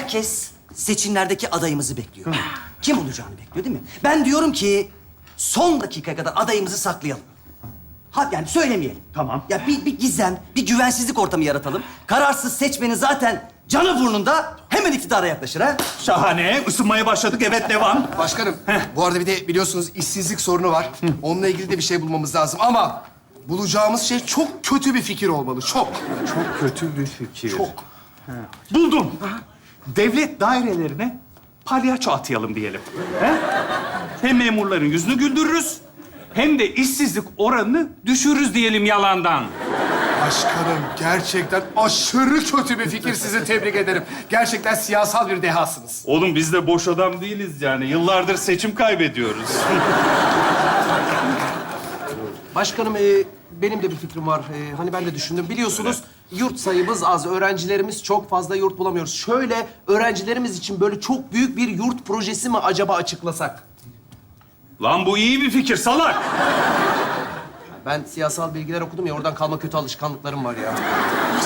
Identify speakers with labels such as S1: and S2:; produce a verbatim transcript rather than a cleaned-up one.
S1: herkes seçimlerdeki adayımızı bekliyor. Kim olacağını bekliyor değil mi? Ben diyorum ki son dakikaya kadar adayımızı saklayalım. Ha, yani söylemeyelim.
S2: Tamam.
S1: Ya bir, bir gizem, bir güvensizlik ortamı yaratalım. Kararsız seçmenin zaten canı burnunda hemen iktidara yaklaşır ha.
S2: Şahane. Isınmaya başladık. Evet, devam.
S3: Başkanım, bu arada bir de biliyorsunuz işsizlik sorunu var. Onunla ilgili de bir şey bulmamız lazım ama bulacağımız şey çok kötü bir fikir olmalı. Çok.
S2: Çok kötü bir fikir.
S3: Çok.
S2: Buldum. Devlet dairelerine palyaço atayalım diyelim. He? Hem memurların yüzünü güldürürüz, hem de işsizlik oranını düşürürüz diyelim yalandan.
S3: Başkanım, gerçekten aşırı kötü bir fikir. Sizi tebrik ederim. Gerçekten siyasal bir dehasınız.
S2: Oğlum biz de boş adam değiliz yani. Yıllardır seçim kaybediyoruz.
S4: Başkanım, e, benim de bir fikrim var. E, hani ben de düşündüm. Biliyorsunuz yurt sayımız az, öğrencilerimiz çok fazla yurt bulamıyoruz. Şöyle öğrencilerimiz için böyle çok büyük bir yurt projesi mi acaba açıklasak?
S2: Lan bu iyi bir fikir salak.
S4: Ben siyasal bilgiler okudum ya, oradan kalma kötü alışkanlıklarım var ya.